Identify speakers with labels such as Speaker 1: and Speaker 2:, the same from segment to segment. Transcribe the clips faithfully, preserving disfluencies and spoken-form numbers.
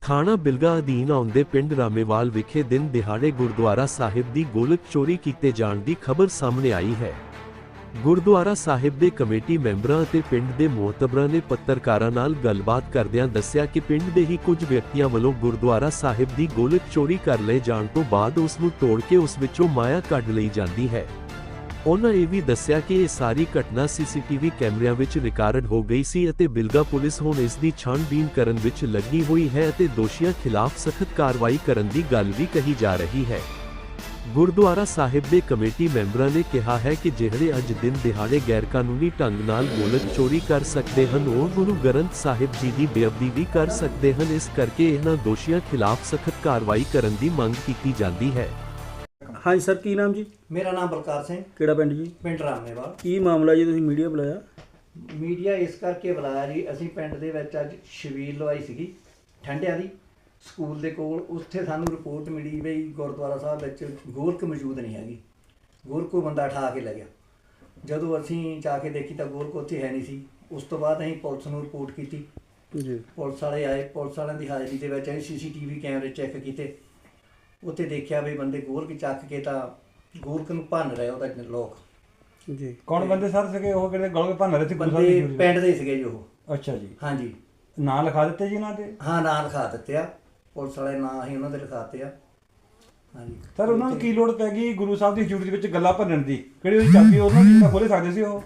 Speaker 1: ਥਾਣਾ ਬਿਲਗਾ ਅਧੀਨ ਆਉਂਦੇ ਪਿੰਡ ਰਾਮੇਵਾਲ ਵਿਖੇ ਦਿਨ ਦਿਹਾੜੇ ਗੁਰਦੁਆਰਾ ਸਾਹਿਬ ਦੀ ਗੋਲਕ ਚੋਰੀ ਕੀਤੇ ਜਾਣ ਦੀ ਖਬਰ ਸਾਹਮਣੇ ਆਈ ਹੈ। ਗੁਰਦੁਆਰਾ ਸਾਹਿਬ ਦੇ ਕਮੇਟੀ ਮੈਂਬਰਾਂ ਅਤੇ ਪਿੰਡ ਦੇ ਮੋਹਤਬਰਾਂ ਨੇ ਪੱਤਰਕਾਰਾਂ ਨਾਲ ਗੱਲਬਾਤ ਕਰਦਿਆਂ ਦੱਸਿਆ ਕਿ ਪਿੰਡ ਦੇ ਹੀ ਕੁਝ ਵਿਅਕਤੀਆਂ ਵੱਲੋਂ ਗੁਰਦੁਆਰਾ ਸਾਹਿਬ ਦੀ ਗੋਲਕ ਚੋਰੀ ਕਰ ਲਏ ਜਾਣ ਤੋਂ ਬਾਅਦ ਉਸ ਨੂੰ ਤੋੜ ਕੇ ਉਸ ਵਿੱਚੋਂ ਮਾਇਆ ਕੱਢ ਲਈ ਜਾਂਦੀ ਹੈ। ਉਨ੍ਹਾਂ ਇਹ ਵੀ ਦੱਸਿਆ ਕਿ ਇਹ ਸਾਰੀ ਘਟਨਾ ਸੀਸੀਟੀਵੀ ਕੈਮਰਿਆਂ ਵਿੱਚ ਰਿਕਾਰਡ ਹੋ ਗਈ ਸੀ ਅਤੇ ਬਿਲਗਾ ਪੁਲਿਸ ਹੁਣ ਇਸ ਦੀ ਛਾਣਬੀਣ ਕਰਨ ਵਿੱਚ ਲੱਗੀ ਹੋਈ ਹੈ ਅਤੇ ਦੋਸ਼ੀਆਂ ਖਿਲਾਫ ਸਖਤ ਕਾਰਵਾਈ ਕਰਨ ਦੀ ਗੱਲ ਵੀ ਕਹੀ ਜਾ ਰਹੀ ਹੈ। ਗੁਰਦੁਆਰਾ ਸਾਹਿਬ ਦੇ ਕਮੇਟੀ ਮੈਂਬਰਾਂ ਨੇ ਕਿਹਾ ਹੈ ਕਿ ਜਿਹੜੇ ਅੱਜ ਦਿਨ ਦਿਹਾੜੇ ਗੈਰਕਾਨੂੰਨੀ ਢੰਗ ਨਾਲ ਗੋਲਕ ਚੋਰੀ ਕਰ ਸਕਦੇ ਹਨ ਉਹ ਗੁਰੂ ਗ੍ਰੰਥ ਸਾਹਿਬ ਜੀ ਦੀ ਬੇਅਦਬੀ ਵੀ ਕਰ ਸਕਦੇ ਹਨ। ਇਸ ਕਰਕੇ ਇਹਨਾਂ ਦੋਸ਼ੀਆਂ ਖਿਲਾਫ ਸਖਤ ਕਾਰਵਾਈ ਕਰਨ ਦੀ ਮੰਗ ਕੀਤੀ ਜਾਂਦੀ ਹੈ।
Speaker 2: हाँ जी सर, की नाम जी?
Speaker 3: मेरा नाम बलकार सिंह,
Speaker 2: ਕਿਹੜਾ ਪਿੰਡ ਜੀ?
Speaker 3: ਪਿੰਡ ਰਾਮੇਵਾਲ।
Speaker 2: ਕੀ ਮਾਮਲਾ ਜੀ, ਤੁਸੀਂ ਮੀਡੀਆ ਬੁਲਾਇਆ?
Speaker 3: ਮੀਡੀਆ ਇਸ ਕਰਕੇ ਬੁਲਾਇਆ ਜੀ, ਅਸੀਂ ਪਿੰਡ ਦੇ ਵਿੱਚ ਅੱਜ ਛਬੀਲ ਲਵਾਈ ਸੀਗੀ ਠੰਡਿਆਂ ਦੀ ਸਕੂਲ ਦੇ ਕੋਲ। ਉੱਥੇ ਸਾਨੂੰ ਰਿਪੋਰਟ ਮਿਲੀ ਵੀ ਗੁਰਦੁਆਰਾ ਸਾਹਿਬ ਵਿੱਚ ਗੋਲਕ ਮੌਜੂਦ ਨਹੀਂ ਹੈਗੀ, ਗੋਲਕ ਕੋਈ ਬੰਦਾ ਉਠਾ ਕੇ ਲੈ ਗਿਆ। ਜਦੋਂ ਅਸੀਂ ਜਾ ਕੇ ਦੇਖੀ ਤਾਂ ਗੋਲਕ ਉੱਥੇ ਹੈ ਨਹੀਂ ਸੀ। ਉਸ ਤੋਂ ਬਾਅਦ ਅਸੀਂ ਪੁਲਿਸ ਨੂੰ ਰਿਪੋਰਟ ਕੀਤੀ
Speaker 2: ਜੀ।
Speaker 3: ਪੁਲਿਸ ਵਾਲੇ ਆਏ, ਪੁਲਿਸ ਵਾਲਿਆਂ ਦੀ ਹਾਜ਼ਰੀ ਦੇ ਵਿੱਚ ਅਸੀਂ ਸੀ ਸੀ ਟੀ ਵੀ ਕੈਮਰੇ ਚੈੱਕ ਕੀਤੇ। ਉੱਥੇ ਦੇਖਿਆ ਵੀ ਬੰਦੇ ਗੋਲਕ ਚੱਕ ਕੇ ਤਾਂ ਗੋਲਕ ਨੂੰ ਭੰਨ ਰਹੇ ਉਹਦਾ ਲੋਕ
Speaker 2: ਜੀ।
Speaker 4: ਕੌਣ ਬੰਦੇ ਸਰ ਸੀਗੇ ਉਹ ਕਿਹੜੇ ਗੋਲਕ ਭੰਨ ਰਹੇ ਸੀ?
Speaker 3: ਬੰਦੇ ਪਿੰਡ ਦੇ ਸੀਗੇ ਜੀ ਉਹ।
Speaker 4: ਅੱਛਾ ਜੀ।
Speaker 3: ਹਾਂਜੀ,
Speaker 4: ਨਾਂ ਲਿਖਾ ਦਿੱਤੇ ਜੀ ਉਹਨਾਂ ਦੇ?
Speaker 3: ਹਾਂ, ਨਾਂ ਲਿਖਾ ਦਿੱਤੇ ਆ ਪੁਲਿਸ ਵਾਲੇ, ਨਾਂ ਅਸੀਂ ਉਹਨਾਂ ਦੇ ਲਿਖਾਤੇ ਆ। ਹਾਂਜੀ
Speaker 4: ਸਰ, ਉਹਨਾਂ ਨੂੰ ਕੀ ਲੋੜ ਪੈ ਗਈ ਗੁਰੂ ਸਾਹਿਬ ਦੀ ਹਜ਼ੂਰੀ ਦੇ ਵਿੱਚ ਗੱਲਾਂ ਭੰਨਣ ਦੀ? ਕਿਹੜੀ ਉਹਦੀ ਚਾਬੀ ਉਹਨਾਂ ਦੀ ਤਾਂ ਖੋਲ੍ਹ ਸਕਦੇ ਸੀ ਉਹ?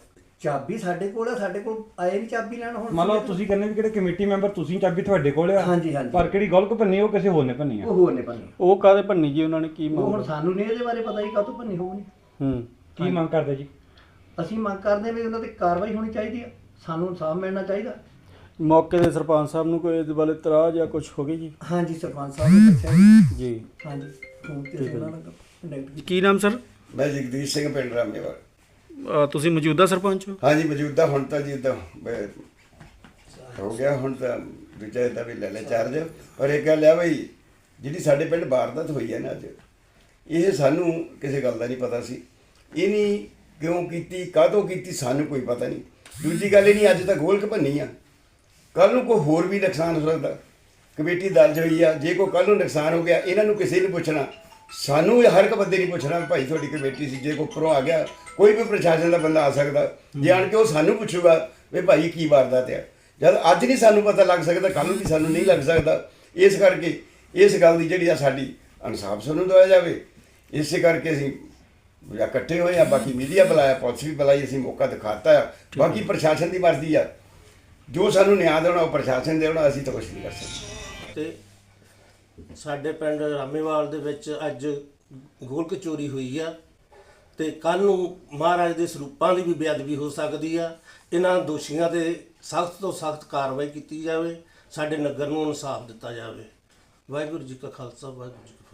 Speaker 3: ਚਾਬੀ ਸਾਡੇ ਕੋਲ ਆ, ਸਾਡੇ ਕੋਲ ਆਏ ਨਹੀਂ ਚਾਬੀ ਲੈਣ। ਹੁਣ
Speaker 4: ਮੰਨ ਲਓ ਤੁਸੀਂ ਕਹਿੰਦੇ ਵੀ ਕਿਹੜੇ ਕਮੇਟੀ ਮੈਂਬਰ ਤੁਸੀਂ, ਚਾਬੀ ਤੁਹਾਡੇ ਕੋਲ ਆ।
Speaker 3: ਹਾਂਜੀ ਹਾਂਜੀ,
Speaker 4: ਪਰ ਕਿਹੜੀ ਗੋਲਕ ਭੰਨੀ ਉਹ ਕਿਸੇ ਹੋਰ ਨੇ ਭੰਨੀ ਆ?
Speaker 3: ਉਹ ਹੋਰ ਨੇ ਭੰਨੀ।
Speaker 2: ਉਹ ਕਾਹਦੇ ਭੰਨੀ ਜੀ ਉਹਨਾਂ ਨੇ? ਕੀ
Speaker 3: ਉਹ ਹੁਣ
Speaker 2: ਮਾਮਲਾ?
Speaker 3: ਸਾਨੂੰ ਨਹੀਂ ਇਹਦੇ ਬਾਰੇ ਪਤਾ ਹੀ ਕਾਹਤੋਂ ਭੰਨੀ ਹੋਣੀ।
Speaker 2: ਹੂੰ।
Speaker 4: ਕੀ ਮੰਗ ਕਰਦੇ ਜੀ?
Speaker 3: ਅਸੀਂ ਮੰਗ ਕਰਦੇ ਵੀ ਉਹਨਾਂ ਤੇ ਕਾਰਵਾਈ ਹੋਣੀ ਚਾਹੀਦੀ ਆ, ਸਾਨੂੰ ਇਨਸਾਫ ਮਿਲਣਾ ਚਾਹੀਦਾ।
Speaker 2: ਮੌਕੇ ਦੇ ਸਰਪੰਚ ਸਾਹਿਬ ਨੂੰ ਕੋਈ ਇਸ ਬਾਰੇ ਇਤਰਾਜ਼ ਜਾਂ ਕੁਝ ਹੋ ਗਈ ਜੀ?
Speaker 3: ਹਾਂਜੀ, ਸਰਪੰਚ ਸਾਹਿਬ ਨੇ ਦੱਸਿਆ ਜੀ।
Speaker 2: ਜੀ।
Speaker 3: ਹਾਂਜੀ, ਫੋਨ ਤੇ ਅਸੀਂ ਉਹਨਾਂ ਨਾਲ ਕੰਟੈਕਟ ਕੀਤਾ।
Speaker 2: ਕੀ ਨਾਮ ਸਰ?
Speaker 5: ਮੈਂ ਜਗਦੀਸ਼ ਸਿੰਘ, ਪਿੰਡ ਰਾਮੇਵਾਲ।
Speaker 2: ਅ, ਤੁਸੀਂ ਮੌਜੂਦਾ ਸਰਪੰਚ ਹੋ?
Speaker 5: ਹਾਂਜੀ, ਮੌਜੂਦਾ ਹੁਣ ਤਾਂ ਜੀ ਇੱਦਾਂ ਹੋ ਗਿਆ, ਹੁਣ ਤਾਂ ਦੂਜਾ ਇੱਦਾਂ ਵੀ ਲੈ ਲੈ ਚਾਰਜ। ਪਰ ਇੱਕ ਗੱਲ ਆ ਬਈ, ਜਿਹੜੀ ਸਾਡੇ ਪਿੰਡ ਵਾਰਦਾਤ ਹੋਈ ਹੈ ਨਾ ਅੱਜ, ਇਹ ਸਾਨੂੰ ਕਿਸੇ ਗੱਲ ਦਾ ਨਹੀਂ ਪਤਾ ਸੀ। ਇਹ ਨਹੀਂ ਕਿਉਂ ਕੀਤੀ, ਕਾਹਤੋਂ ਕੀਤੀ, ਸਾਨੂੰ ਕੋਈ ਪਤਾ ਨਹੀਂ। ਦੂਜੀ ਗੱਲ ਇਹ ਨਹੀਂ, ਅੱਜ ਤਾਂ ਗੋਲਕ ਭੰਨੀ ਆ, ਕੱਲ੍ਹ ਨੂੰ ਕੋਈ ਹੋਰ ਵੀ ਨੁਕਸਾਨ ਹੋ ਸਕਦਾ। ਕਮੇਟੀ ਦਰਜ ਹੋਈ ਆ, ਜੇ ਕੋਈ ਕੱਲ੍ਹ ਨੂੰ ਨੁਕਸਾਨ ਹੋ ਗਿਆ ਇਹਨਾਂ ਨੂੰ ਕਿਸੇ ਨੂੰ ਪੁੱਛਣਾ, ਸਾਨੂੰ ਹਰ ਇੱਕ ਬੰਦੇ ਨਹੀਂ ਪੁੱਛਣਾ ਭਾਈ ਤੁਹਾਡੀ ਕਮੇਟੀ ਸੀ। ਜੇ ਕੋਈ ਉੱਪਰੋਂ ਆ ਗਿਆ, ਕੋਈ ਵੀ ਪ੍ਰਸ਼ਾਸਨ ਦਾ ਬੰਦਾ ਆ ਸਕਦਾ, ਜੇ ਆਣ ਕੇ ਉਹ ਸਾਨੂੰ ਪੁੱਛੂਗਾ ਵੀ ਭਾਈ ਕੀ ਵਾਰਦਾਤ ਆ। ਜਦ ਅੱਜ ਨਹੀਂ ਸਾਨੂੰ ਪਤਾ ਲੱਗ ਸਕਦਾ, ਕੱਲ੍ਹ ਨੂੰ ਵੀ ਸਾਨੂੰ ਨਹੀਂ ਲੱਗ ਸਕਦਾ। ਇਸ ਕਰਕੇ ਇਸ ਗੱਲ ਦੀ ਜਿਹੜੀ ਆ ਸਾਡੀ ਇਨਸਾਫ ਸਾਨੂੰ ਦਵਾਇਆ ਜਾਵੇ। ਇਸੇ ਕਰਕੇ ਅਸੀਂ ਇਕੱਠੇ ਹੋਏ ਆ। ਬਾਕੀ ਮੀਡੀਆ ਬੁਲਾਇਆ, ਪੁਲਿਸ ਵੀ ਬੁਲਾਈ, ਅਸੀਂ ਮੌਕਾ ਦਿਖਾਤਾ ਆ। ਬਾਕੀ ਪ੍ਰਸ਼ਾਸਨ ਦੀ ਮਰਜ਼ੀ ਆ, ਜੋ ਸਾਨੂੰ ਨਿਆਂ ਦੇਣਾ ਉਹ ਪ੍ਰਸ਼ਾਸਨ ਦੇਣਾ, ਅਸੀਂ ਤਾਂ ਕੁਛ ਨਹੀਂ ਕਰ ਸਕਦੇ।
Speaker 6: ਤੇ ਸਾਡੇ ਪਿੰਡ ਰਾਮੇਵਾਲ ਦੇ ਵਿੱਚ ਅੱਜ ਗੋਲਕ ਚੋਰੀ ਹੋਈ ਆ ਤੇ ਕੱਲ ਨੂੰ ਮਹਾਰਾਜ ਦੇ ਸਰੂਪਾਂ ਦੀ ਵੀ ਬੇਅਦਬੀ ਹੋ ਸਕਦੀ ਆ। ਇਹਨਾਂ ਦੋਸ਼ੀਆਂ ਤੇ ਸਖਤ ਤੋਂ ਸਖਤ ਕਾਰਵਾਈ ਕੀਤੀ ਜਾਵੇ, ਸਾਡੇ ਨਗਰ ਨੂੰ ਇਨਸਾਫ ਦਿੱਤਾ ਜਾਵੇ। ਵਾਹਿਗੁਰੂ ਜੀ ਕਾ ਖਾਲਸਾ, ਵਾਹਿਗੁਰੂ ਜੀ ਕੀ ਫਤਿਹ।